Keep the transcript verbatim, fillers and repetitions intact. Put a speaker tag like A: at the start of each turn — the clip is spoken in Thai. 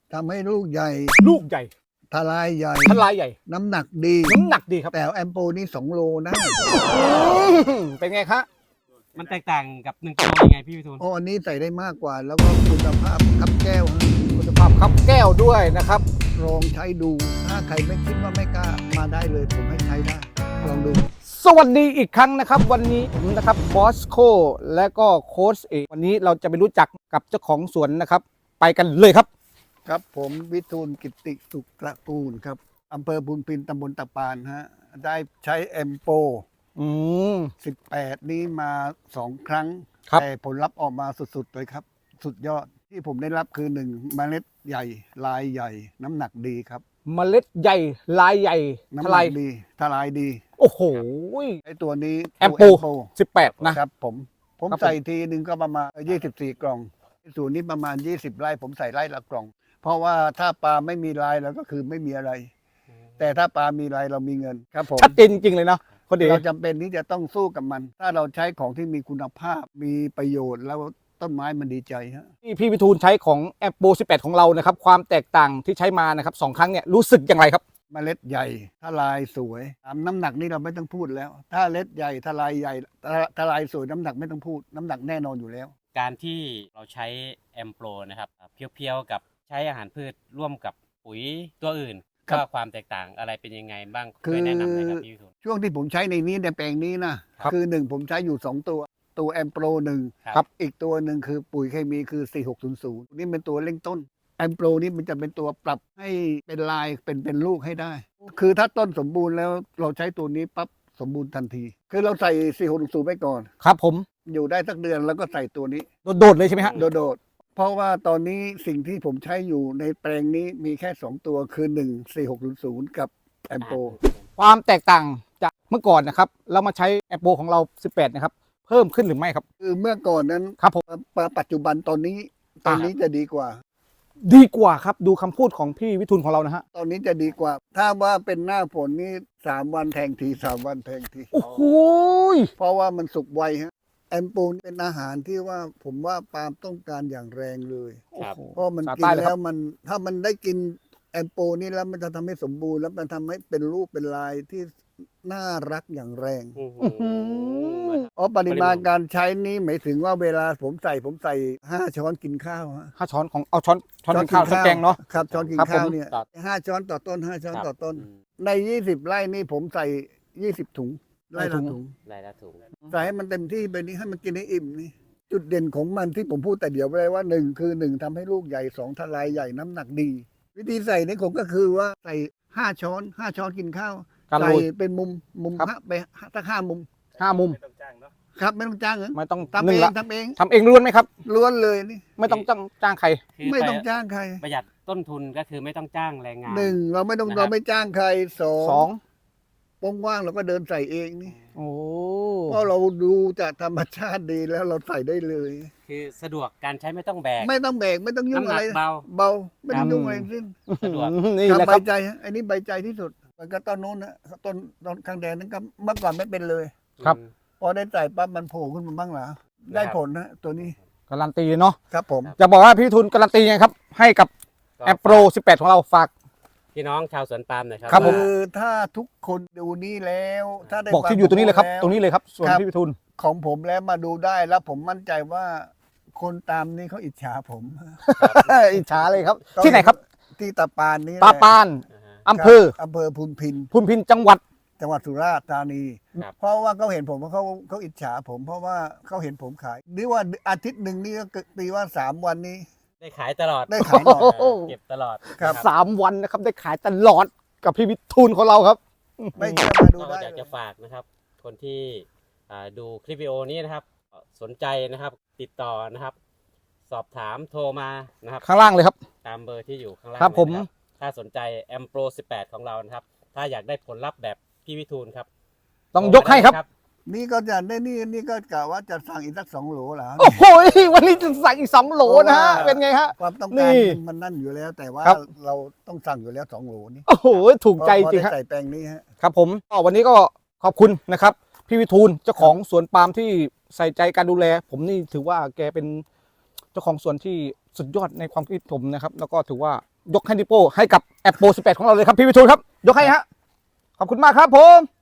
A: ทำให้ลูกใหญ่
B: ลูกใหญ่
A: ทลายใหญ่
B: ทลายใหญ่
A: น้ำหนักดี
B: น้ำหนักดีครับ
A: แต่แอมโปนี่สองโลนะ
B: เป็นไงคะ
C: มันแตกต่างกับหนึ่งกิโลยังไงพี่วิทูล
A: โอ้อันนี้ใส่ได้มากกว่า แล้วก็คุณภาพคับแก้ว
B: คุณภาพคับแก้วด้วยนะครับ
A: ลองใช้ดูถ้าใครไม่คิดว่าไม่กล้ามาได้เลยผมให้ใช้ได้ลองดู
B: สวัสดีอีกครั้งนะครับวันนี้ผมนะครับบอสโคและก็โค้ชเอกวันนี้เราจะไปรู้จักกับเจ้าของสวนนะครับไปกันเลยครับ
A: ครับผมวิทูลกิติสุขตระกูลครับอำเภอพุนพินตำบลตะปานฮะได้ใช้แอมโป
B: อืม
A: สิบแปดนี้มาสองครั้งแต่ผลลัพธ์ออกมาสุดๆเลยครับสุดยอดที่ผมได้รับคือหนึ่งเมล็ดใหญ่ลายใหญ่น้ำหนักดีครับ
B: เมล็ดใหญ่ลายใหญ่
A: น้ำหนักดีทลายดี
B: โอ้โห
A: ไอตัวนี้
B: แอมโปสิบแปดนะครับ
A: ผมผมใส่ทีหนึ่งก็ประมาณยี่สิบสี่กล่องส่วนนี้ประมาณยี่สิบไร่ผมใส่ไร่ละกล่องเพราะว่าถ้าปลาไม่มีลายเราก็คือไม่มีอะไรแต่ถ้าปลามีลายเรามีเงินครับผม
B: ชัดเจนจริงๆเลยเนาะ
A: เราจำเป็นที่จะต้องสู้กับมันถ้าเราใช้ของที่มีคุณภาพมีประโยชน์แล้วต้นไม้มันดีใจฮะ
B: ที่พี่วิทูลใช้ของแอมโปสิบแปดของเรานะครับความแตกต่างที่ใช้มานะครับสองครั้งเนี่ยรู้สึกอย่างไรครับ
A: เมล็ดใหญ่ทลายสวยน้ำหนักนี่เราไม่ต้องพูดแล้วถ้าเมล็ดใหญ่ทลายใหญ่ทลายสวยน้ำหนักไม่ต้องพูดน้ำหนักแน่นอนอยู่แล้ว
C: การที่เราใช้แอมโปรนะครับเพียวๆกับใช้อาหารพืชร่วมกับปุ๋ยตัวอื่นก็ความแตกต่างอะไรเป็นยังไงบ้างช่วยแนะนำหน่อยครับพี่วิทูล
A: ช่วงที่ผมใช้ในนี้ในแปลงนี้นะคือหนึ่งผมใช้อยู่สองตัวตัวแอมโปรหนึ่งครับอีกตัวหนึ่งคือปุ๋ยเคมีคือสี่หกศูนย์ศูนย์นี่เป็นตัวเร่งต้นแอมโปรนี่มันจะเป็นตัวปรับให้เป็นลายเป็นเป็นลูกให้ได้คือถ้าต้นสมบูรณ์แล้วเราใช้ตัวนี้ปั๊บสมบูรณ์ทันทีคือเราใส่สี่หกศูนย์ไปก่อน
B: ครับผม
A: อยู่ได้สักเดือนแล้วก็ใส่ตัวนี้
B: โดดๆเลยใช่ไหมฮะ
A: โดดๆเพราะว่าตอนนี้สิ่งที่ผมใช้อยู่ในแปลงนี้มีแค่สองตัวคือหนึ่ง สี่หกศูนย์ศูนย์กับแอมโป
B: ความแตกต่างจากเมื่อก่อนนะครับเรามาใช้แอมโปของเราสิบแปดนะครับเพิ่มขึ้นหรือไม่ครับ
A: คือเมื่อก่อนนั้น
B: ครับผม
A: ปัจจุบันตอนนี้ตอนนี้จะดีกว่า
B: ดีกว่าครับดูคำพูดของพี่วิทูลของเรานะฮะ
A: ตอนนี้จะดีกว่าถ้าว่าเป็นหน้าฝนนี่สามวันแทงทีสามวันแทงที
B: โอ้โห
A: เพราะว่ามันสุกไวฮะแอมโปเป็นอาหารที่ว่าผมว่าปาล์มต้องการอย่างแรงเลยเพราะมันกินแล้วมันถ้ามันได้กินแอมโปนี่แล้วมันจะทำให้สมบูรณ์แล้วมันทำให้เป็นรูปเป็นลายที่น่ารักอย่างแรงอ๋อปริมาณการใช้นี้หมายถึงว่าเวลาผมใส่ผมใส่ห้าช้อนกินข้าวฮะ
B: ห้าช้อนของเอาช้อนช้อนกินข้าวช้อนแกงเนาะ
A: ครับช้อนกินข้าวเนี่ยห้าช้อนต่อต้นห้าช้อนต่อต้นในยี่สิบไร่นี่ผมใส่ยี่สิบถุงไร่ละถุง
C: ไร่ละถุง
A: ใส่ให้มันเต็มที่ไปนี้ให้มันกินให้อิ่มนี่จุดเด่นของมันที่ผมพูดแต่เดี๋ยวไปเลยว่าหนึ่งคือหนึ่งทำให้ลูกใหญ่สองทลายใหญ่น้ำหนักดีวิธีใส่นี่ผมก็คือว่าใส่ห้าช้อนห้าช้อนกินข้าวใส่เป็นมุมมุมห้าไปตั้งห้ามุม
B: ห้ามุม
A: ครับไม่ต้องจ้างเหรอ
B: ไม่ต้อง
A: ทำเองทำเอง
B: ทำเองล้วนไหมครับ
A: ล้วนเลยนี่
B: ไม่ต้องจ้างจ้างใคร
A: ไม่ต้องจ้างใคร
C: ประหยัดต้นทุนก็คือไม่ต้องจ้างแรงงาน
A: หนึ่งเราไม่ต้องเราไม่จ้างใครสองสองว่างๆเราก็เดินใส่เองนี่
B: โอ้
A: เพราะเราดูจากธรรมชาติดีแล้วเราใส่ได้เลย
C: คือสะดวกการใช้ไม่ต้องแบก
A: ไม่ต้องแบกไม่ต้องยุ่งอะไร
C: เบา
A: เบาไม่ต้องยุ่งอะไรสิ้น
C: สะดวก
B: นี่แหละ
A: ใบใจอันนี้ใบใจที่สุดมันก็ต้นโน้นนะต้นต้นข้างแดงนั้นก็เมื่อก่อนไม่เป็นเลย
B: ครับ
A: พอได้ใส่ปั๊บมันโผล่ขึ้นมาบ้างเหรอได้ผลนะตัวนี้
B: การันตีเนาะ
A: ครับผม
B: จะบอกว่าพี่ทุนการันตีไงครับให้กับแอปโปรสิบแปดของเราฝาก
C: พี่น้องชาวสวนปาล์มหน่อยครับ
A: คือถ้าทุกคนดูนี่แล้วถ้าได้
B: บอกที่อยู่ตรงนี้เลยครับตรงนี้เลยครับส่วนพี่ทุน
A: ของผมแล้วมาดูได้แล้วผมมั่นใจว่าคนตามนี่เขาอิจฉาผม
B: อิจฉาเลยครับที่ไหนครับ
A: ที่ตาปานนี่
B: ตาปานอำเภอ
A: อำเภอพุนพิน
B: พุนพินจังหวัด
A: จังหวัดสุราษฎร์ธานีเพราะว่าเขาเห็นผมว่าเขาเขาอิจฉาผมเพราะว่าเขาเห็นผมขายนี่ว่าอาทิตย์หนึ่งนี่ก็ตีว่าสามวันนี้
C: ได้ขายตลอด
A: ได้ขายตลอด
C: เก็บตลอด
A: ครับ
B: สามวันนะครับได้ขายตลอดกับพี่วิทูลของเราครับ
A: ไม่เชื่อมาดูได้
C: อยากจะฝากนะครับคนที่ดูคลิปวิดีโอนี้นะครับสนใจนะครับติดต่อนะครับสอบถามโทรมานะครับ
B: ข้างล่างเลยครับ
C: ตามเบอร์ที่อยู่ข้างล่าง
B: ครับผม
C: ถ้าสนใจแอมโปรสิบแปดของเรานะครับถ้าอยากได้ผลลัพธ์แบบพี่วิทูลครับ
B: ต้องยกให้ครับ
A: นี่ก็จะได้นี่นี่ก็กะว่าจะสั่งอีกสักสองโหลแล้ว
B: โอ้โหวันนี้จะสั่งอีกสองโหลนะฮะเป็นไงฮะ
A: ความต้องการมันนั่นอยู่แล้วแต่ว่าเราต้องสั่งอยู่แล้วสองโหลนี่
B: โอ้โหถูกใจจริงครับ
A: ใส่แปลงนี้ฮะ
B: ครับผมวันนี้ก็ขอบคุณนะครับพี่วิทูลเจ้าของสวนปาล์มที่ใส่ใจการดูแลผมนี่ถือว่าแกเป็นเจ้าของสวนที่สุดยอดในความคิดผมนะครับแล้วก็ถือว่ายกให้นิโป้ให้กับแอปโปรสิบแปดของเราเลยครับพี่วิทูลครับยกให้ฮะขอบคุณมากครับผม